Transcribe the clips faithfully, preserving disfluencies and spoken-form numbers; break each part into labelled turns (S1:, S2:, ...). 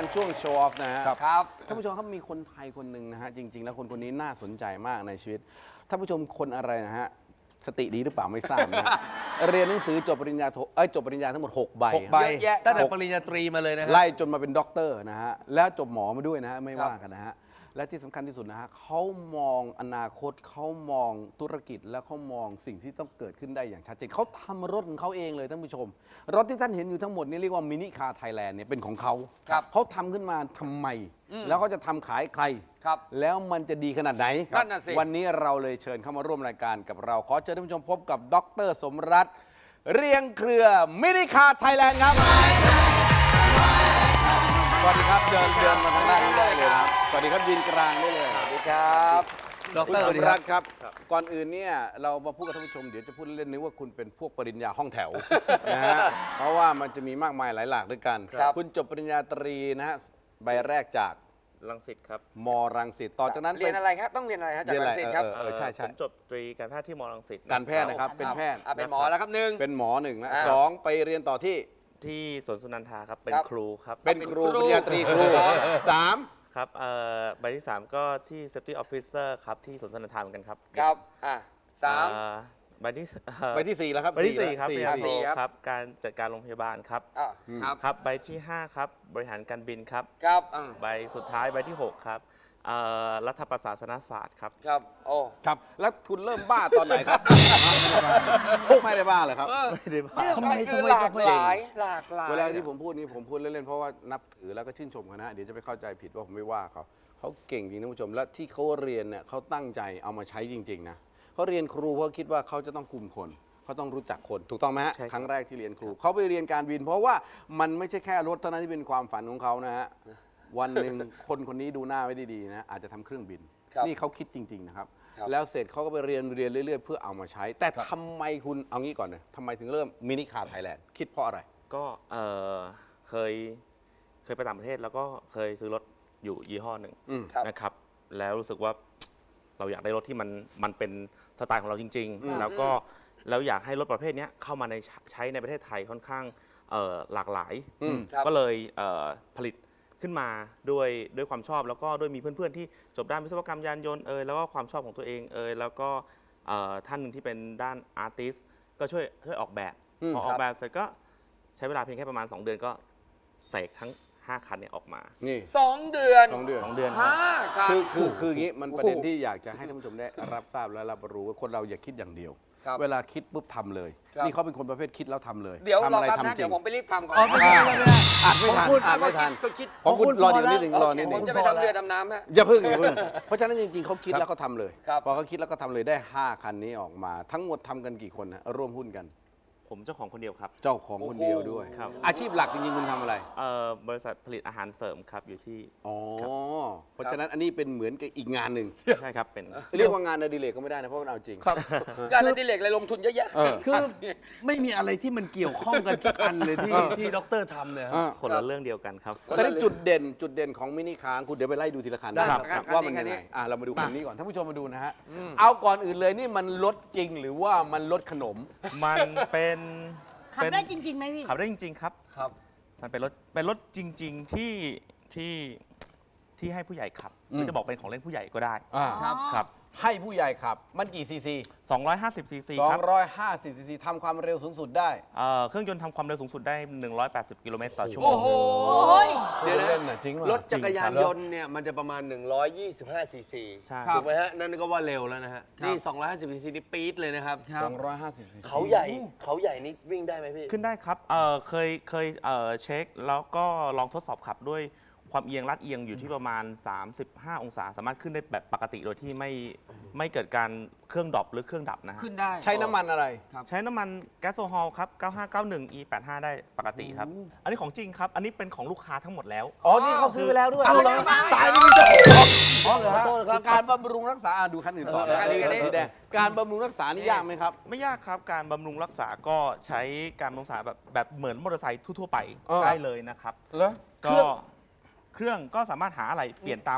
S1: ช่วงโชว์ออฟนะฮะ
S2: ครับ
S1: ท่านผู้ชมครับมีคนไทยคนหนึ่งนะฮะจริง ๆ แล้วคนคนนี้น่าสนใจมากในชีวิตท่านผู้ชมคนอะไรนะฮะสติดีหรือเปล่าไม่ทราบนะฮะ เรียนหนังสือจบปริญญาโทเอ้ยจบปริญญาทั้งหมดหกใบ
S3: หกใบ
S2: เยอะแยะ
S3: ตั้งแต่ปริญญาตรีมาเลยนะฮะ
S1: ไล่จนมาเป็นด็อกเตอร์นะฮะแล้วจบหมอมาด้วยนะฮะไม่
S2: ครับ
S1: ว่ากันนะฮะและที่สำคัญที่สุดนะฮะเขามองอนาคตเขามองธุรกิจและเขามองสิ่งที่ต้องเกิดขึ้นได้อย่างชัดเจนเขาทำรถของเขาเองเลยท่านผู้ชม รถที่ท่านเห็นอยู่ทั้งหมดนี่เรียกว่ามินิคาร์ไทยแลนด์เนี่ยเป็นของเขา
S2: ครับ
S1: เขาทำขึ้นมาทำไม แล้วเขาจะทำขายใคร
S2: ครับ
S1: แล้วมันจะดีขนาดไหน
S2: นั่นน่ะสิ
S1: วันนี้เราเลยเชิญเข้ามาร่วมรายการกับเรา ขอเชิญท่านผู้ชมพบกับดรสมรัตน์เรียงเครือมินิคาร์ไทยแลนด์ครับ สวัสดีครับเดินเดินมาทางด้านนี้ได้เลยครับสวัสดีครับยืนกลางได้เลย
S2: สวัสดีครับ
S3: ด
S1: คุณ
S3: ร
S1: ส
S3: สวัส
S1: ม
S3: ดีค
S1: รั
S3: รั
S1: ต
S3: บ
S1: น์ครับ ก่อนอื่นเนี่ยเรามาพูดกับท่านผู้ชมเดี๋ยวจะพูดเล่นๆนึกว่าคุณเป็นพวกปริญญาห้องแถว นะฮะเพราะว่ามันจะมีมากมายหลายหลากด้วยกัน
S2: ครับ
S1: คุณจบปริญญาตรีนะฮะใบแรกจาก
S4: รังสิตครับ
S1: มรังสิตต่อจากนั้น
S2: เรียนอะไรครับต้องเรียนอะไรครับจาก
S1: เรียนอะไร
S2: รังสิตครับ
S1: เออเออใช่ใช่
S4: ผมจบตรีการแพทย์ที่มรังสิต
S1: การแพทย์นะครับเป็นแพทย์
S2: อ่ะเป็นหมอแล้วครับหนึ่ง
S1: เป็นหมอหนึ่งนะ
S2: อ่า
S1: สองไปเรียนต่อที่
S4: ที่สวนสุนันทาครับ เป็น
S2: ครับ
S4: ครูครับ
S1: เป็นครู
S2: เป็นครู
S1: ปริญญาตรีครูสาม
S4: ครับเอ่อใบที่ สาม ก็ที่ Safety Officer ครับ ที่สวนสุนันทาเหมือนกันครับ
S2: ครับอ่ะสาม
S4: เอ่อใบที่เอ่อ
S1: ใบที่สี่แล้วครับ
S4: ใบที่สี่ครับปริญญาโท
S2: สี่ครับ
S4: ครับ การจัดการโรงพยาบาลครับ
S2: อ่ะครับ
S4: ครับ ใบที่ ห้า ครับ บริหารการบินครับ
S2: ครับอ่ะ
S4: ใบสุดท้ายใบที่ หก ครับเอ่อรัฐประศาสนศาสตร์ครับ
S2: ครับโอ้
S1: ครับแล้วคุณเริ่มบ้าตอนไหนครับ ไม่ได้บ้าเลยครับ
S4: ไม่ได้บ้า
S2: เรื่อง
S3: ทำไม
S2: มันคือ
S3: ทำไม
S2: หลาก
S3: ทำไม
S2: หลายหลากหลาย
S1: เวลาที่ผมพูดนี้ผมพูดเล่นๆเพราะว่านับถือแล้วก็ชื่นชมเขานะเดี๋ยวจะไปเข้าใจผิดว่าผมไม่ว่าเขาเขาเก่งจริงท่านผู้ชมและที่เขาเรียนเนี่ยเขาตั้งใจเอามาใช้จริงๆนะเขาเรียนครูเพราะคิดว่าเขาจะต้องคุมคนเขาต้องรู้จักคนถูกต้องไหมฮะ
S4: ใช่ครับ
S1: ครั้งแรกที่เรียนครูเขาไปเรียนการบิน เพราะว่ามันไม่ใช่แค่รถเท่านั้นที่เป็นความฝันของเขานะฮะวันหนึ่งคนคนนี้ดูหน้าไว้ดีๆนะอาจจะทำเครื่องบิน
S2: ครับ
S1: นี่เขาคิดจริง ๆ นะครับ
S2: ครับ
S1: แล้วเสร็จเขาก็ไปเรียนเรียนเรื่อยๆ เพื่อเอามาใช้ แต่ทำไมคุณเอางี้ก่อนเลยทำไมถึงเริ่มมินิคาร์ไทยแลนด์คิดเพราะอะไร
S4: ก็เอ่อเคยเคยไปต่างประเทศแล้วก็เคยซื้อรถอยู่ยี่ห้อหนึ่ง
S1: อืม
S2: ครับ
S4: นะครับ แล้วรู้สึกว่าเราอยากได้รถที่มันมันเป็นสไตล์ของเราจริง
S1: อืม
S4: ๆ แล้วก็แล้วอยากให้รถประเภทเนี้ยเข้ามาในใช้ในประเทศไทยค่อนข้างเอ่อหลากหลาย
S1: อืม
S2: ครับ
S4: ก็เลยเอ่อผลิตขึ้นมาด้วยด้วยความชอบ แล้วก็ด้วยมีเพื่อนๆที่จบด้านวิศวกรรมยานยนต์เอยแล้วก็ความชอบของตัวเองเอยแล้วก็เอ่อท่านหนึ่งที่เป็นด้านอาร์ติสก็ช่วยช่วยออกแบบ
S1: อืม
S4: พออ
S1: ครั
S4: อบ กแบบเสร็จก็ใช้เวลาเพียงแค่ประมาณ สอง เดือนก็เสกทั้งห้าคันเนี่ยออกมา
S1: นี่
S2: สองเดือน
S1: สองเดือน
S4: สองเดือนครับ
S2: ห้าครับ
S1: คือคือคืออย่างนี้มันประเด็น
S2: โอ้โห
S1: ที่อยากจะให้ท่านผู้ชมได้รับทราบและรับรู้ว่าคนเราอย่าคิดอย่างเดียว
S2: ครับ
S1: เวลาคิดปุ๊บทำเลย
S2: ครับ
S1: นี่เขาเป็นคนประเภทคิดแล้วทำเลย
S2: เดี๋ยว
S1: ทำ
S2: รอ
S1: อะไร
S2: แป๊บ
S1: ทำ
S2: นะ
S1: จริ
S2: เดี๋ย
S1: ง
S2: วผมไปรีบทำก่อน
S3: อ๋อไม่ได้ไม่ได้
S1: อ่านไม่ทัน
S3: ผมพูด
S1: อ่านไม่ทัน
S2: ก็คิด
S1: ของคุณ
S3: ของคุณ
S1: รอเดี๋ยว
S3: พอ
S1: นิดหนึ่ง
S3: แล้ว
S1: รอนิดห
S2: ผ
S1: นึ่
S2: ม
S1: ง
S2: จะไปทำเรือดำน้ำฮะ
S1: อย่าพึ่งอย่าพึ่งเพราะฉะนั้นจริงๆเขาคิดแล้วเขาทำเลย
S2: ครับ
S1: พอเขาคิดแล้วก็ทำเลยได้ห้าคันนี้ออกมา ทั้งหมดทำกันกี่คนนะร่วมหุ้นกัน
S4: ผมเจ้าของคนเดียวครับ
S1: เจ้าของคนเดียวด้วย
S4: ครับ
S1: อาชีพหลักจริงๆคุณทำอะไร
S4: เอ่อบริษัทผลิตอาหารเสริมครับอยู่ที่
S1: อ๋อ เพราะฉะนั้นอันนี้เป็นเหมือนกับอีกงานหนึ่ง
S4: ใช่ครับเป็น
S1: เรียกว่างานอดิเรกก็ไม่ได้นะเพราะมันเอาจริง
S3: ครับ
S2: การอดิเรกอะไรลงทุนเยอะแยะ
S1: เออ
S3: คือไม่มีอะไรที่มันเกี่ยวข้องกันสักอันเลยที่
S1: เออ
S3: ที่ด็อกเตอร์ทำเนี่ย
S1: อ่า
S4: คนละเรื่องเดียวกันครับ
S1: แต่นี่จุดเด่นจุดเด่นของมินิคาร์คุณเดี๋ยวไปไล่ดูทีละคัน
S2: ได้
S1: นะครับ ว่ามัน
S2: คั
S1: ยั
S2: น
S1: ง
S2: นี้
S1: ไงอ่ะเรามาดูคันนี้ก่อนท่านผู้ชมมาดูนะฮะเอาก่อนอื่นเลยนี่มันรถจริงหรือว่ามันรถขนม
S4: มันเป็น
S5: ขับ
S4: เป็น
S5: ได้จริงๆไหมพี่
S4: ขับได้จริง ๆ ครับ
S2: ครับ
S4: มันเป็นรถเป็นรถจริง ๆ ที่ที่ที่ให้ผู้ใหญ่ขับหรือจะบอกเป็นของเล่นผู้ใหญ่ก็ได้
S1: อ่า
S2: ครับ
S4: ครับ
S1: ให้ผู้ใหญ่ขับ มันกี่ซีซี
S4: สองร้อยห้าสิบซีซีครับ
S1: สองร้อยห้าสิบซีซีทำความเร็วสูงสุดได้
S4: เอ่อเครื่องยนต์ทำความเร็วสูงสุดได้ หนึ่งร้อยแปดสิบ กิโลเมตรต่อชั่วโม
S2: โอ้
S4: ง
S2: โห
S5: โอ้ย
S1: เดี๋ยวเล่นน่ะจริงป่ะ
S3: รถจักรยานยนต์เนี่ยมันจะประมาณ หนึ่งร้อยยี่สิบห้าซีซี
S4: ใช่
S3: ถูกไหมฮะ นั่นก็ว่าเร็วแล้วนะฮะ นี่ สองร้อยห้าสิบซีซีนี่ปี๊ดเลยนะครับ
S1: สองร้อยห้าสิบซีซี
S3: เขาใหญ่เขาใหญ่นี่วิ่งได้ไหมพี่
S4: ขึ้นได้ครับเอ่อเคยเคยเอ่อเช็คแล้วก็ลองทดสอบขับด้วยความเอียงลัดเอียงอยู่ที่ประมาณ สามสิบห้า องศา สามารถขึ้นได้แบบปกติโดยที่ไม่ไม่เกิดการเครื่องดรอปหรือเครื่องดับนะฮะ
S2: ขึ้นได้
S1: ใช้น้ำมันอะไร
S4: ใช้น้ำมันแก๊สโซฮอลครับ เก้าห้าเก้าหนึ่ง อี แปดห้า ได้ปกติครับ อันนี้ของจริงครับ อันนี้เป็นของลูกค้าทั้งหมดแล้ว
S1: อ๋อ นี่เขาซื้อไปแล้วด้วย
S3: เอาเหรอ
S1: ตายนี่มีเจ้าของอ๋อเหรอฮะ
S3: ขอโทษครับ
S1: การบำรุงรักษาอ่ะดูคันอื่นต่อ
S2: เอออันนี้อันนี้
S1: สีแดงการบำรุงรักษานี่ยากไหมครับ
S4: ไม่ยากครับ การบำรุงรักษาก็ใช้การบำรุงรักษาแบบแบบเหมือนมอเตอร์ไซค์ทั่วๆไป
S1: เออ
S4: ได้เลยนะครับ
S1: เหรอ
S4: ก็เครื่องก็สามารถหาอะไรเปลี่ยนตาม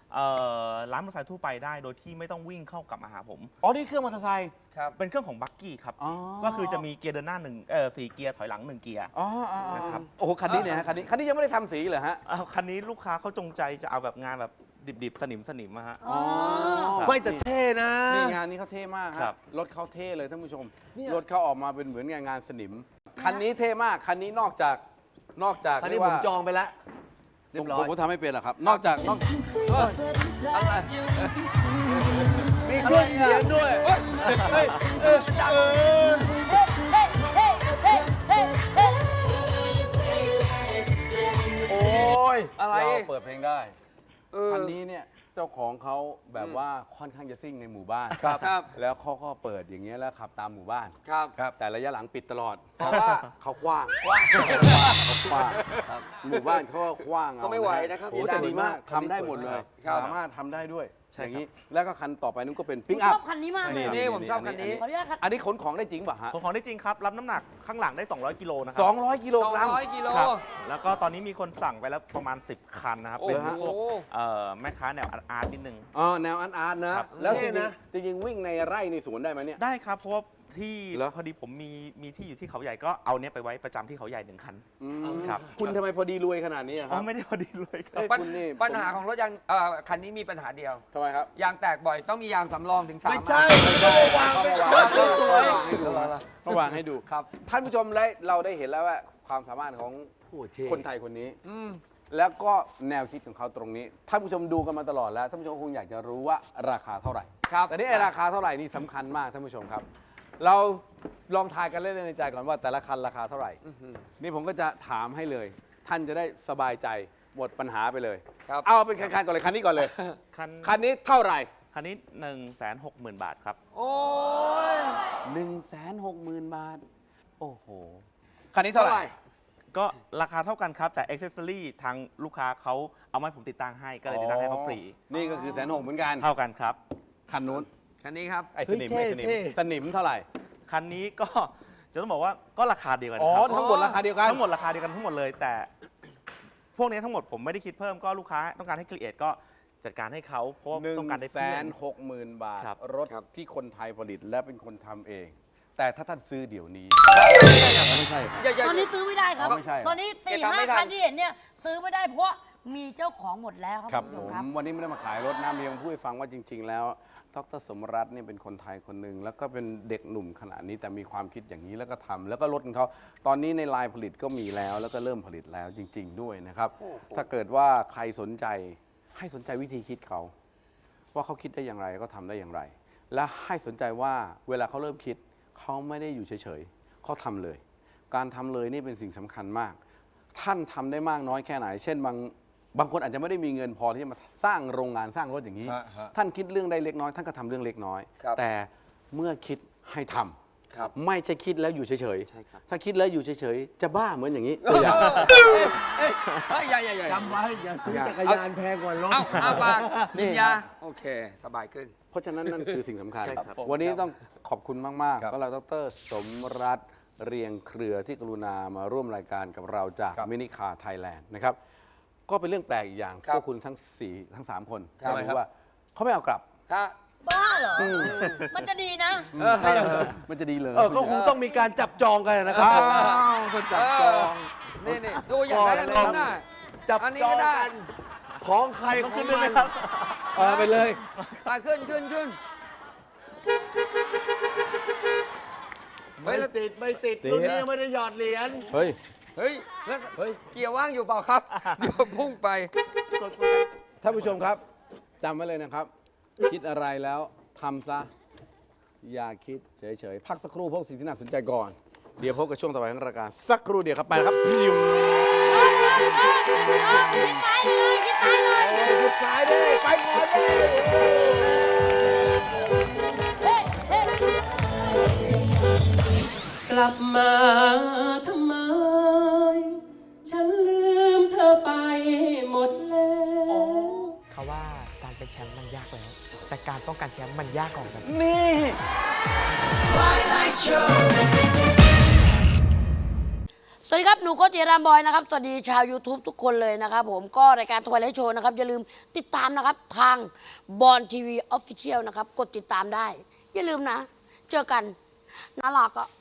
S4: เอ่อร้านมอเตอร์ไซค์ทั่วไปได้โดยที่ไม่ต้องวิ่งเข้ากลับมาหาผม
S1: อ๋อ นี่เครื่องมอเตอร์ไซค์
S2: ครับ
S4: เป็นเครื่องของบักกี้ครับ
S1: อ๋อ
S4: ก็คือจะมีเกียร์เดินหน้าหนึ่งเอ่อสี่เกียร์ถอยหลังหนึ่งเกียร์
S1: อ๋ออ๋ออ๋อ
S4: นะครับ
S1: โอ้โห คันนี้เนี่ยฮะ คันนี้ คันนี้ยังไม่ได้ทำสีเหรอฮะ
S4: อ้าวคันนี้ลูกค้าเขาจงใจจะเอาแบบงานแบบดิบๆ สนิมสนิมๆอะฮะ
S1: อ๋อ
S3: ไม่แต่เท่นะ
S1: นี่งานนี้เขาเท่มาก
S4: ครั
S1: ครับ
S4: บ
S1: รถเขาเท่เลยท่านผู้ชม
S3: เนี่ย
S1: รถเขาออกมาเป็นเหมือนงานงานสนิม คันนี้เท่มาก คันนี้นอกจาก นอกจาก
S3: ตอนนี้
S1: เรียก
S3: ผม
S1: ว่า
S3: จองไปแล้วเรียบร้อย
S1: ผมทำไม่เป็นหรอกครับ นอกจากนอก
S2: อะไร
S3: มีเครื่องเสียงด้วย
S2: เฮ้ยเออดัง
S3: โอ้ย
S2: อะไร
S1: เราเปิดเพลงได้
S2: เออ
S1: คันนี้เนี่ยเจ้าของเขาแบบว่าค่อนข้างจะซิ่งในหมู่บ้าน
S2: ครับครับ
S1: แล้วเขาก็เปิดอย่างเงี้ยแล้วขับตามหมู่บ้าน
S2: ครับ
S3: ครับ
S1: แต่ระยะหลังปิดตลอด
S2: เพราะว่า
S1: เขากว้างกว้างเขากว้างหมู่บ้านเขาก็กว้างเอา
S2: ก็ไม่ไหวนะครับ
S1: โอ้แต่ดีมาก
S3: คันนี้
S1: ทำได้หมดเลย
S2: ครับ
S1: สามารถทำได้ด้วย
S4: ใช่
S1: อย่าง
S4: ครับ
S1: นี้แล้วก็คันต่อไปนู้นก็เป็น
S5: ผ
S1: ปิก
S5: ม
S1: อั
S5: ช
S1: พ
S5: อบคันนี้มากเลย
S2: นี่ผมชอบคันนี้
S5: ขออนุญาตครับ
S1: อันนี้ขนของได้จริงป่ะฮะ
S4: ของของได้จริงครับ รับน้ำหนักข้างหลังได้ สองร้อย กิโลนะครั
S1: สองร้อยกิโลกรัม
S2: สองร้อยกิโล
S4: ครับแล้วก็ตอนนี้มีคนสั่งไปแล้วประมาณ สิบ คันนะครับ
S2: โอ้
S4: เป็น
S2: โห
S4: พวกเอ่อแม่ค้าแนวอาร์ตๆนิดนึง
S1: อ๋อแนวอาร์ตอาร์ตนะ
S4: ครับ
S1: แล้วจ
S3: เท่
S1: ริง
S3: นะ
S1: ๆจริงๆวิ่งในไร่ในสวนได้ไหมเนี่ย
S4: ได้ครับ เพราะว่าที่
S1: เหรอ
S4: พอดีผมมีมีที่อยู่ที่เขาใหญ่ก็เอาเนี้ยไปไว้ประจำที่เขาใหญ่หนึ่งคัน
S1: อืม
S4: ครับ
S1: คุณทำไมพอดีรวยขนาดนี้อะค
S4: อ๋
S1: รั
S4: อบ ไม่ได้พอดีเลยครับ
S1: เอ้ย
S2: ปัญ
S1: คุณนี่
S2: ปัญหาของรถยางเอ่อคันนี้มีปัญหาเดียว
S1: ทำไมครับ
S2: ยางแตกบ่อยต้องมียางสำรองถึงสาม
S3: ไม่ใช่
S2: อัน
S3: ไม่ใช่วางไป
S1: วาง
S3: สวย
S1: ระวางให้ดู
S2: ครับ
S1: ท่านผู้ชมได้เราได้เห็นแล้วว่าความสามารถของ
S3: โอ้เท่
S1: คนไทยคนนี้
S2: อืม
S1: แล้วก็แนวคิดของเขาตรงนี้ท่านผู้ชมดูกันมาตลอดแล้วท่านผู้ชมคงอยากจะรู้ว่าราคาเท่าไหร่
S2: ครับ
S1: แต่นี่ไอ้ราคาเท่าไหร่นี่สำคัญมากท่านผู้ชมครับ เราลองทายกันเล่นๆในใจก่อนว่าแต่ละคันราคาเท่าไหร่
S2: อื้อหือ
S1: นี่ผมก็จะถามให้เลย ท่านจะได้สบายใจหมดปัญหาไปเลย
S2: ครับ
S1: เอาเป็นคันๆก่อนเลยคันนี้ก่อนเลย
S4: คัน
S1: คันนี้เท่าไหร่
S4: คันนี้ หนึ่งแสนหกหมื่น บาทครับ
S2: โอ้ย
S1: หนึ่งแสนหกหมื่นบาท โอ้โหคันนี้เท่าไหร่
S4: ก็ราคาเท่ากันครับ แต่อ็อกเซสซอรี่ทางลูกค้าเขาเอามาให้ผมติดตั้งให้ก็เลยติดตั้งให้เขาฟรี
S1: นี่ก็คือแสนหกเหมือนกัน
S4: เท่ากันครับ
S1: คันนู้น
S2: คันนี้ครับ
S1: ไอ้สนิม
S3: เฮ้
S1: ไอ้
S3: ย
S1: สนิม
S3: เท่
S1: สนิมเท่าไหร่
S4: คันนี้ก็ จะต้องบอกว่าก็ราคาเดียวกัน
S1: อ๋อ
S4: ครับ
S1: ทั้งหมดราคาเดียวกัน
S4: ทั้งหมดราคาเดียวกันทั้งหมดเลย แต่พวกนี้ทั้งหมดผมไม่ได้คิดเพิ่มก็ลูกค้าต้องการให้ครีเอทก็จัดการให้เขาเพราะว่า
S1: หนึ่ง
S4: ต้องการได้
S1: แส
S4: เพื่อน
S1: หกหมื่นบาท
S4: ครับ
S1: รถที่คนไทยผลิตและเป็นคนทำเอง แต่ถ้าท่านซื้อเดี๋ยวนี้ไม่ใช่
S2: อย่าอย่า
S5: ตอนนี้ซื้อไม่ได้ครับ
S1: ไม่ใช่เหรอ
S5: ตอนนี้สี่
S2: เก็บตังค์
S5: ห้า
S2: ไม่ทัน
S5: คันที่เห็นเนี่ยซื้อไม่ได้เพราะว่ามีเจ้าของหมดแล้วครับ
S1: ครับ
S5: ณ
S1: ผ
S5: ผู้ช
S1: ม
S5: ครับ
S1: วันนี้ไม่ได้มาขายรถนะมีมาพูดให้ฟังว่าจริง ๆ แล้วดรสมรัตน์เนี่ยเป็นคนไทยคนหนึ่งแล้วก็เป็นเด็กหนุ่มขนาดนี้แต่มีความคิดอย่างนี้แล้วก็ทำแล้วก็รถของเขาตอนนี้ในไลน์ผลิตก็มีแล้ว แล้วก็เริ่มผลิตแล้วจริง ๆ ด้วยนะครับ ถ้าเกิดว่าใครสนใจให้สนใจวิธีคิดเขา ว่าเขาคิดได้อย่างไรก็ทำได้อย่างไร และให้สนใจว่าเวลาเขาเริ่มคิดเขาไม่ได้อยู่เฉยๆเขาทำเลย การทำเลยนี่เป็นสิ่งสำคัญมาก ท่านทำได้มากน้อยแค่ไหน เช่นบางบางคนอาจจะไม่ได้มีเงินพอที่จะมาสร้างโรงงานสร้างรถอย่างนี้
S3: ฮะฮะ
S1: ท่านคิดเรื่องได้เล็กน้อยท่านก็ทำเรื่องเล็กน้อย
S2: ครับ
S1: แต่เมื่อคิดให้ทำ
S2: ครับ
S1: ไม่ใช่คิดแล้วอยู่เฉย
S4: ใช่ครับ
S1: ๆถ้าคิดแล้วอยู่เฉยๆจะบ้าเหมือนอย่างนี้ตัวอย่าง
S2: เฮ้ยอย่าอย่าอย่า
S3: จำไว้อย่าซื้อจักรยานแพงกว่ารถ
S2: เอาเอาปาก
S1: นี่
S2: กินยา โอเค สบายขึ้น
S1: เพราะฉะนั้นนั่นคือสิ่งสำคัญ
S4: ใช่ครับ
S1: วันนี้ต้องขอบคุณมาก
S3: ครับ
S1: ๆสำหรับดรสมรัตน์เรียงเครือที่กรุณามาร่วมรายการกับเราจาก
S3: ครับ
S1: มินิคาร์ไทยแลนด์นะครับ ก็เป็นเรื่องแปลกอีกอย่าง
S2: ครับ
S1: พวกคุณทั้งสี่ทั้งสามคน
S2: ครับ
S1: รู้ว่าเขาไม่เอากลับ
S2: ฮะ
S5: บ้าเหรออมันจะดีนะ
S2: เออ
S1: มันจะดีเลย
S3: เออก็คงต้องมีการจับจองกันนะครับ
S1: อ้าวคนจับจอง
S2: นี่นี่ดูอย่างนั้น
S3: ก่อน
S2: นะ
S3: จับ
S2: อันนี้
S3: จอ
S2: ก็
S3: ง
S2: ได้
S3: กัน ของใคร
S4: ต้อง
S3: ขอ
S4: ขึ้
S3: ง
S4: นด้วย
S3: มั
S4: ไหม
S3: น
S4: ครับ
S1: เออไปเลย
S2: ไปขึ้นขึ้นขึ้นเฮ้
S3: ไม่
S2: ยแล้ว
S3: ติดไม่ติด
S1: ติด
S3: รุ่นนี้ยังไม่ได้หยอดเหรียญ
S1: เฮ้ย
S2: เฮ้ยแล้ว
S3: เฮ้ย
S2: เกียร์ว่างอยู่เปล่าครับ เดี๋ยวพุ่งไป
S1: ท่านผู้ชมครับจำไว้เลยนะครับ คิดอะไรแล้วทำซะ อย่าคิดเฉยๆ พักสักครู่พวกสิ่งที่น่าสนใจก่อน เดี๋ยวพบกับช่วงต่อไปของรายการสักครู่เดียวครับไปครับพิม
S5: คิดซ้ายเลยคิดซ้ายเลย
S1: สุดท้ายด้วยไปก่อนเลย
S5: เฮ้เฮ้
S6: กลับมาทำไม ฉันลืมเธอไปหมดแล้ว
S7: เขาว่าการเป็นแชมป์มันยากแล้ว แต่การป้องกันแชมป์มันยากกว่ากัน
S1: นี่
S5: สสวัสดีครับ หนูโกติรามบอยนะครับ สวัสดีชาว YouTube ทุกคนเลยนะครับผมก็รายการทวายไลท์โชว์นะครับ อย่าลืมติดตามนะครับ ทางบอลทีวีออฟฟิเชียลนะครับ กดติดตามได้ อย่าลืมนะ เจอกันน่ารักอ่ะ